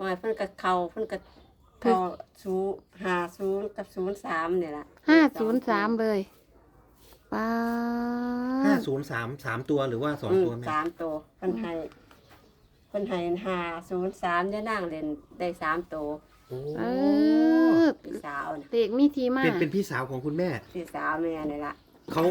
อยเพิ่นก็เข้า50กับ03นี่ล่ะ 503เลยป้า 503 ตัวหรือว่า2 ตัวแม่ 3ตัวเพิ่นให้503จะนั่งเล่นได้3ตัวพี่สาวน่ะเด็กมีทีมาเป็นพี่สาวของคุณแม่พี่สาวแม่นี่ล่ะเขา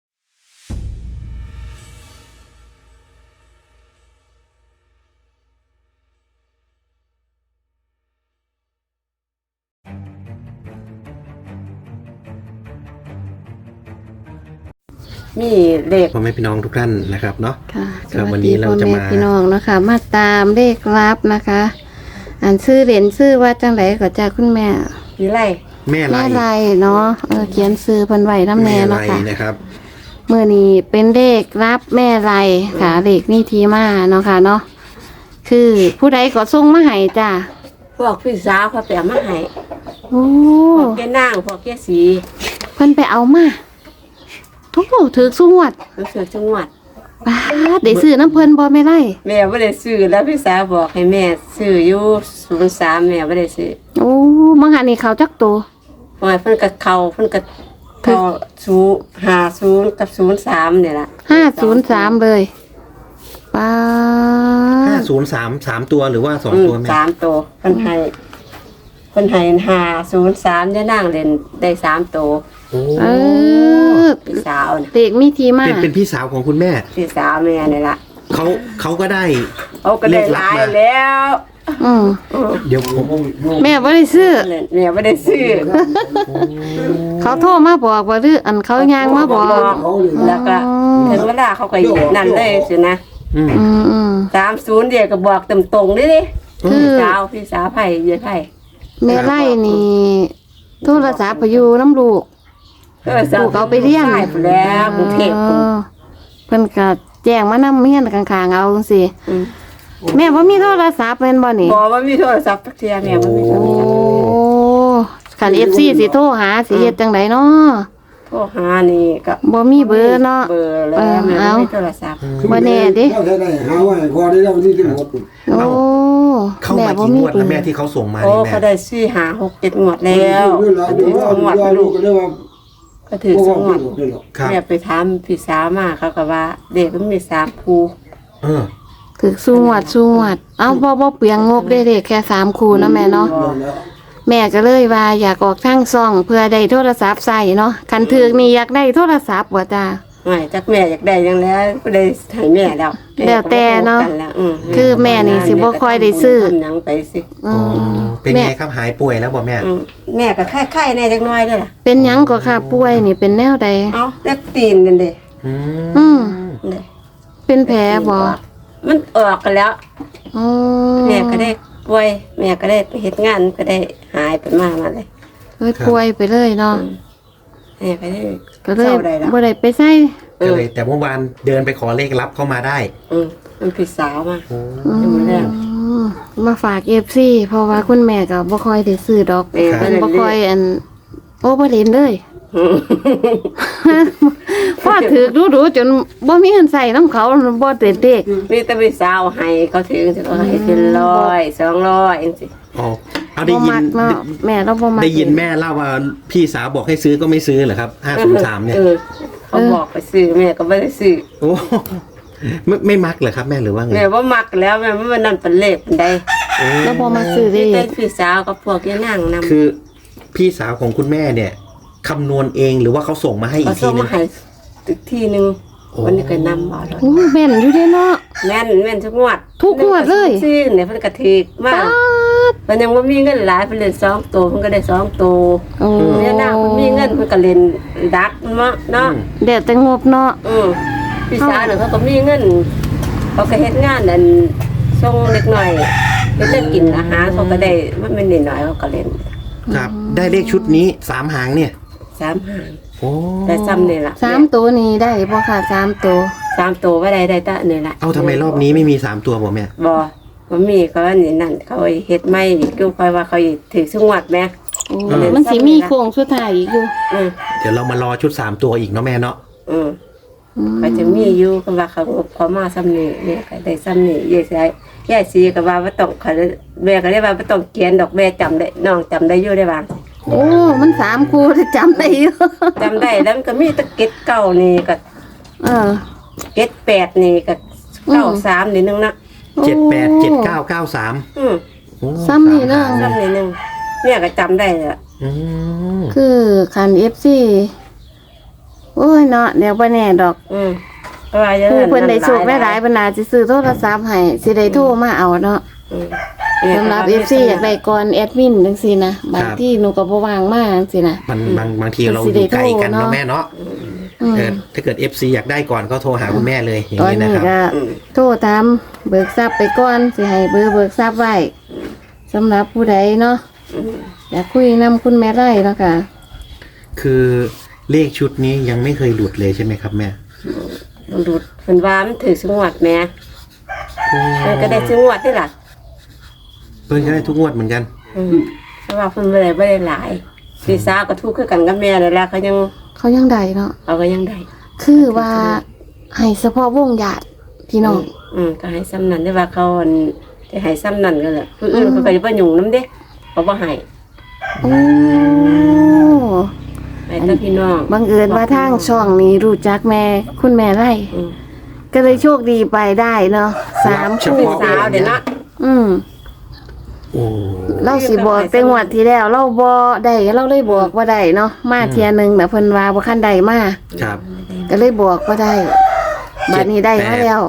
มีเลขพ่อแม่พี่น้องทุกท่านนะครับเนาะค่ะครับวันนี้เราจะมาพี่น้องนะคะมาตามเลขลับนะคะอ่านชื่อเหรียญชื่อว่าจังไหนก็จากคุณแม่พี่ไรแม่ไรเนาะเขียนชื่อเพิ่นไว้นำแน่เนาะค่ะนะครับมื้อนี้เป็นเลขรับแม่ไรค่ะเลขมีที่มาเนาะค่ะเนาะคือผู้ใดก็ส่งมาให้จ้ะพวกพี่สาวเขาแปลมาให้โอ้พวกแกนางพวกแกสีเพิ่นไปเอามาทุกถือสุงวดรู้สึกจังหวัดป้าได้ซื้อน้ำเพิ่นบ่แม่ไรแม่บ่ได้ซื้อแล้วพี่สาวบอกให้แม่ซื้ออยู่03แม่บ่ได้ซื้อโอ้มังหันนี่เขาจักตัวหอยเพิ่นก็เข้า50กับ03นี่ล่ะ 503เลยป้า 503 ตัวหรือว่า2 ตัวแม่ 3ตัวเพิ่นให้503จะนั่งเล่นได้3ตัวพี่สาวน่ะเด็กมีทีมาเป็นพี่สาวของคุณแม่พี่สาวแม่นี่ล่ะเขาก็ได้ก็ได้หลายแล้วเดี๋ยวแม่บ่ได้ซื้อแม่บ่ได้ซื้อเขาโทรมาบอกว่าหรืออันเขาย่างมาบอกแล้วก็ถึงเวลาเขาก็นั่นเลยสินะ30เดี๋ยวก็บอกตรงๆดิพี่สาวไผยายไผแม่ไล่นี่โทรศัพท์ไปอยู่น้ำลูกลูกเอาไปเลี้ยงแล้วกรุงเทพเพิ่นก็แจ้งมานำเฮียนข้างๆเอาจังซี่แม่บ่มีโทรศัพท์แม่นบ่นี่บ่มีโทรศัพท์จักเที่ยแม่บ่มีโทรศัพท์คัน FC สิโทรหาสิเฮ็ดจังไดเนาะโทรหานี่ก็บ่มีเบอร์เนาะเบอร์แล้วแม่บ่มีโทรศัพท์บ่แน่เด้หาไว้พอได้แล้วที่ถึงหมดโอ้เข้ามากี่งวดแล้วแม่ที่เขาส่งมานี่แม่เขาได้4 5 6 7งวดแล้วงวดลูกก็ถือ2งวดแม่ไปถามพี่สาวมาเขาก็ว่าเด็กมันมี3คู่ถึกสูงวัดเอ้าบ่เปลืองงบได้เด็กแค่3คู่นะแม่เนาะแม่ก็เลยว่าอยากออกทางซ่องเพื่อได้โทรศัพท์ใช้เนาะคันถึกนี่อยากได้โทรศัพท์บ่จ้าไม่จักแม่อยากได้จังแล้วก็ได้ให้แม่แล้วแต่เนาะคือแม่นี่สิบ่ค่อยได้ซื้อหยังไปสิเป็นไงครับหายป่วยแล้วบ่แม่แม่ก็ไข้ๆแน่จักหน่อยเด้อล่ะเป็นหยังก็ค่ะป่วยนี่เป็นแนวใดเอ้าเล็บตีนนั่นเด้เป็นแผลบ่มันออกกันแล้วแม่ก็ได้ป่วยแม่ก็ได้ไปเฮ็ดงานก็ได้หายไปมาเลยป่วยไปเลยเนาะแม่ก็ได้บ่ได้ไปใส่ก็เลยแต่เมื่อวานเดินไปขอเลขลับเข้ามาได้มันพี่สาวมาฝาก FC เพราะว่าคุณแม่ก็บ่ค่อยได้ซื้อดอกเพิ่นบ่ค่อยบ่เล่นเลยพอถือดูจนบ่มีเงินใส่น้ำเขาบ่เต็มเด็กมีแต่พี่สาวให้เขาถือสิเขาให้เป็น100 200จังซี่เอาได้ยินแม่เราบ่มาได้ยินแม่เล่าว่าพี่สาวบอกให้ซื้อก็ไม่ซื้อเหรอครับ503เนี่ยเขาบอกไปซื้อแม่ก็ไม่ได้ซื้อโอ้ไม่มักเหรอครับแม่หรือว่าไงแม่ว่ามักแล้วแม่มันนั่นเป็นเลขเป็นใดแล้วบ่มาซื้อได้พี่สาวกับพวกที่นั่งนำคือพี่สาวของคุณแม่เนี่ยคำนวณเองหรือว่าเขาส่งมาให้อีกทีนึงอีกทีนึงวันนี้ก็นำมาแล้วแม่นอยู่เด้เนาะแม่นทุกงวดเลยซื้อเนี่ยเพิ่นก็ถูกมากมันยังบ่มีเงินหลายเพิ่นเล่น2ตัวเพิ่นก็ได้2ตัวเนี่ยนางเพิ่นมีเงินเพิ่นก็เล่นดักเนาะเดี๋ยวแต่งบเนาะพี่สาวเนี่ยเขาก็มีเงินเขาก็เฮ็ดงานนั่นส่งเล็กน้อยเฮ็ดกินอาหารเขาก็ได้มันไม่นิดหน่อยเขาก็เล่นครับได้เลขชุดนี้3หางเนี่ย 3หางโอ้ได้ซ้ำนี่ล่ะ 3ตัวนี้ได้บ่ค่ะ3ตัวว่าได้แต่นี่ล่ะเอาทำไมรอบนี้ไม่มี3ตัวบ่แม่บ่มีเขาอันนี้นั่นเขาเฮ็ดใหม่อีกคือค่อยว่าเขาถือสุงวดแม่มันสิมีโค้งสุดท้ายอีกอยู่เดี๋ยวเรามารอชุด3ตัวอีกเนาะแม่เนาะก็จะมีอยู่ก็ว่าเขาอบเขามาซ้ำนี่เนี่ยก็ได้ซ้ำนี่ยายสีก็ว่าบ่ต้องเขาแม่ก็ได้ว่าบ่ต้องเขียนดอกแม่จำได้น้องจำได้อยู่ได้บ้างโอ้มัน3คู่ที่จำได้อยู่จำได้แล้วมันก็มีแตะเก็ดเก่านี่ก็ เก็ด8นี่ก็93นี่นึงนะ 787993 อืมโอ้ซ้ำนี่เนาะซ้ำนี่นึงเนี่ยก็จำได้แหละอืมคือคัน FC โอ้ยเนาะเดี๋ยวบ่แน่ดอกเพราะว่าอย่างผู้เพิ่นได้โชคได้หลายเพิ่นน่าสิซื้อโทรศัพท์ให้สิได้โทรมาเอาเนาะ สำหรับ FC อยากได้ก่อนแอดมินจังซี่นะบางที่หนูก็บ่ว่างมาจังซี่นะบางทีเราอยู่ไกลกันเนาะแม่เนาะถ้าเกิด FC อยากได้ก่อนก็โทรหาคุณแม่เลยอย่างตอนนี้นะนี้ครับก็โทรตามเบิกทรัพย์ไปก่อนสิให้เบิกทรัพย์ไว้สำหรับผู้ใดเนาะอยากคุยนำคุณแม่ไร่เนาะค่ะคือเลขชุดนี้ยังไม่เคยหลุดเลยใช่ไหมครับแม่มันดูดเพิ่นว่ามันถือสงวดแม่มันก็ได้สงวดได้ล่ะเพิ่งจะได้ทุกงวดเหมือนกันเพราะว่าเพิ่นบ่ได้หลายพี่สาวก็ทุกข์คือกันกับแม่นั่นแหละเขายังได้เนาะเขาก็ยังได้คือว่าให้เฉพาะวงญาติพี่น้องก็ให้ซ้ำนั้นได้ว่าเขาจะให้ซ้ำนั้นก็แหละผู้อื่นเขาก็จะบ่ยุ่งนำเด้เขาบ่ให้โอ้ให้แต่พี่น้องบังเอิญว่าทางช่องนี้รู้จักแม่คุณแม่ไร่ก็เลยโชคดีไปได้เนาะ3คู่พี่สาวเด้เนาะโอ้เราสิบอกแต่งวดที่แล้วเราบ่ได้เราเลยบอกว่าได้เนาะมาเที่ยหนึงแต่ะเพิ่นว่าบ่คันได้มาครับก็เลยบอกว่าได้บัดนี้ได้มาแล้ว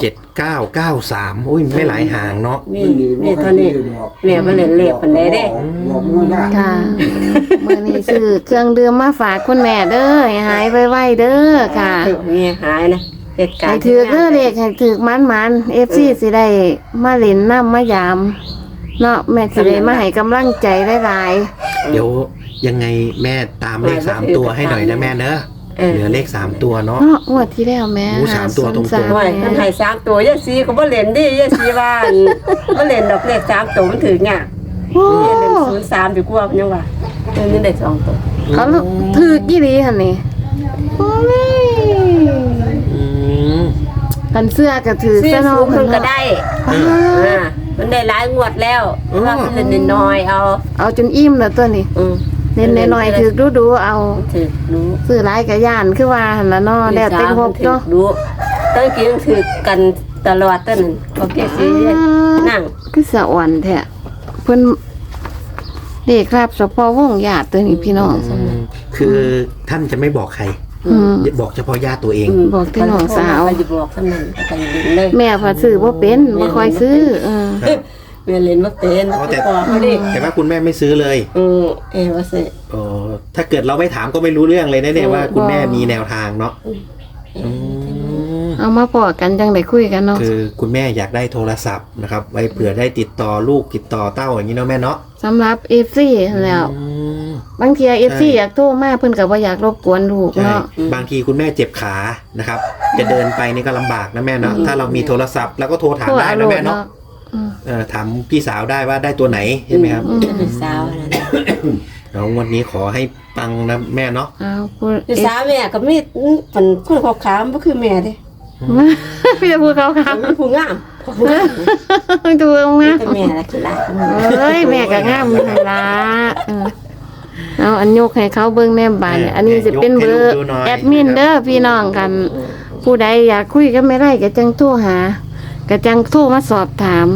7993โอ้ยไม่หลายห่างเนาะมีเท่านี้แม่บ่เล่นเลขปานใดเด้บอกมันได้ค่ะมื้อนี้ซื้อเครื่องดื่มมาฝากคุณแม่เด้อให้หายไวๆเด้อค่ะมีหายนะเหตุการให้ณ์ถือเด้อเลขให้ถือมันๆ FC สิได้มาเล่นน้ำมายามเนาะแม่สิได้มาให้กำลังใจหลายเดี๋ยวยังไงแม่ตามเลข3ตัวให้หน่อยนะแม่เนอะเหลือเลข3ตัวเนาะๆเนาะงวดที่แล้วแม่โอ้สามตัวตรงๆโอ้ยมันให้3ตัวยายสีก็บ่เล่นดิยายสีว่าบ่เล่นดอกเลข3ตัวมันถือยากโอ้เล่น03ดีกว่ายังว่านี่ได้2ตัวเขาถือกี่ดีหั่นนี่โอ้ยอืมกันเสื้อก็ถือซื้อซะเนาะสูงเพิ่นก็ได้มันได้หลายงวดแล้วว่าเพิ่นเล่นน้อยเอาเอาจนอิ่มแล้วตัวนี้เน้นน้อยๆถือดูๆเอาถือรู้ซื้อหลายก็ย่านคือว่าหั่นล่ะเนาะแล้วแต่งบเนาะรู้ตั้งกินถือกันตลอดตั้งโอเคสินั่งคือสะอ่อนแท้เพิ่นเด็กครับเฉพาะวงญาติตัวนี้พี่น้องคือท่านจะไม่บอกใคร บอกเฉพาะญาติตัวเองบอกที่น้องสาวไปบอกท่านนั้นก็ไปเล่นเลยแม่พอซื้อบ่เป็นบ่ค่อยซื้อแม่เล่นว่าเป็นแต่พอเขาดิแต่ว่าคุณแม่ไม่ซื้อเลยว่าสิอ๋อถ้าเกิดเราไม่ถามก็ไม่รู้เรื่องเลยนะเนี่ยว่าคุณแม่มีแนวทางเนาะอืมเอามาพอกันจังได้คุยกันเนาะคือคุณแม่อยากได้โทรศัพท์นะครับ ไว้เผื่อได้ติดต่อลูกติดต่อเต้าอย่างนี้เนาะแม่เนาะสำหรับ FC แล้วอืมบางที FC อยากโทรมาเพิ่นก็บ่อยากรบกวนลูกใช่เนาะบางทีคุณแม่เจ็บขานะครับ จะเดินไปนี่ก็ลำบากนะแม่เนาะถ้าเรามีโทรศัพท์แล้วก็โทรถามโทรได้เอานะลูกแม่เนาะเนาะถามพี่สาวได้ว่าได้ตัวไหนใช่ไหมครับเป็นสาวนั่นแล้ววันนี้ขอให้ปังนะแม่เนาะเอาพูดเป็นสาวแม่ก็มีฝันคนขาวๆบ่คือแม่ดิพี่จะพูดเขาค่ะเป็นผู้งามดูงามเป็นแม่ละคือหลายเอ้ยแม่ก็งามอยู่หั่นล่ะเอาอันยกให้เขาเบิ่งแนมบานเนี่ยอันนี้สิเป็นเบอร์แอดมินเด้อพี่น้องกัน ผู้ใดอยากคุยก็ไม่ได้ก็จังโทรหาก็จังโทรมาสอบถาม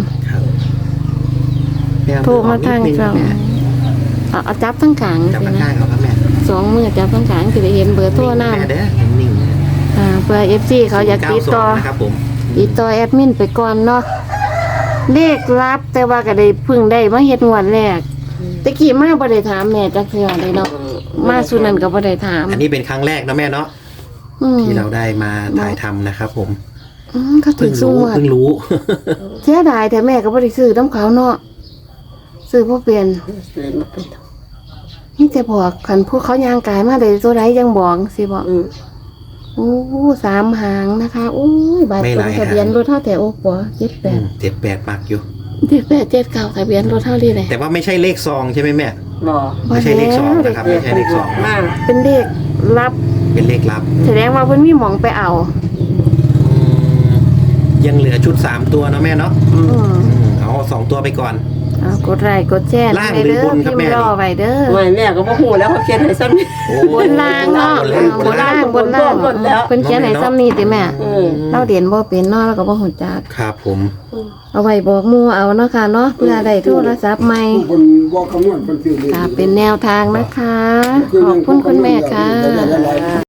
แม่โทรมาทางนิดนึช่องนะเอาจับทั้งกลางจับสิข้างนะๆเขาครับแม่ 2 มือจับทั้งกลางสิได้เห็นเบอร์โทรนำแม่เด้อนิ่งๆเพื่อ FC เขาอยากติดต่อนะครับผมติดต่อแอดมินไปก่อนเนาะเลขลับแต่ว่าก็ได้เพึ่งได้มาเฮ็ดงวดแรกตะกี้มาบ่ได้ถามแม่จักเทื่อเลยเนาะมาสุนั้นก็บ่ได้ถามอันนี้เป็นครั้งแรกนะแม่เนาะที่เราได้มาถ่ายทำนะครับผมเขาถึเพิ่งงสู้รู้งวดเพิ่งรู้เสียดายแต่แม่ก็บ่ได้ซื้อน้ำเขาเนาะซื้อบ่เป็นเลยมาเป็นนี่แต่บอกคันพวกเขาย่างกายมาได้ตัวใดยังบอกสิบอกโอ้3 หางนะคะโอ้ยบาดไม่ตหรลาง ยทะเบียนรถเท่าแต่โอ้ปัว78 78ปักอยู่ 7879ทะเบียนรถเท่านี้แหละแต่ว่าไม่ใช่เลขซองใช่ไหมแม่บ่ไม่ใช่เลขซองนะครับไม่ใช่เลขซองมากเป็นเลขลับเป็นเลขลับแสดงว่าเพิ่นมีหมองไปเอายังเหลือชุด3ตัวเนาะแม่เนาะอืมเอา2ตัวไปก่อนเอากดไลค์กดแชร์ล่างไปหรือเด้อบนครับพิมแม่พ์รอไว้เด้อไม่แม่ก็บ่ฮู้แล้วเขาเขียนให้ซ้ำนี่โอ้บนล่างเนาะบนล่างบนล่างบนแล้วเพิ่นเขียนให้ซ้ำนี่ติแม่เออเราเรียนบ่เป็นเนาะแล้วก็บ่ฮู้จักครับผมเอาไว้บอกหมู่เอาเนาะค่ะเนาะเพื่อได้โทรศัพท์ใหม่ผู้คนบอกคำนวณเป็นสิ่งดีค่ะเป็นแนวทางนะคะ ขอบคุณคุณแม่ค่ะ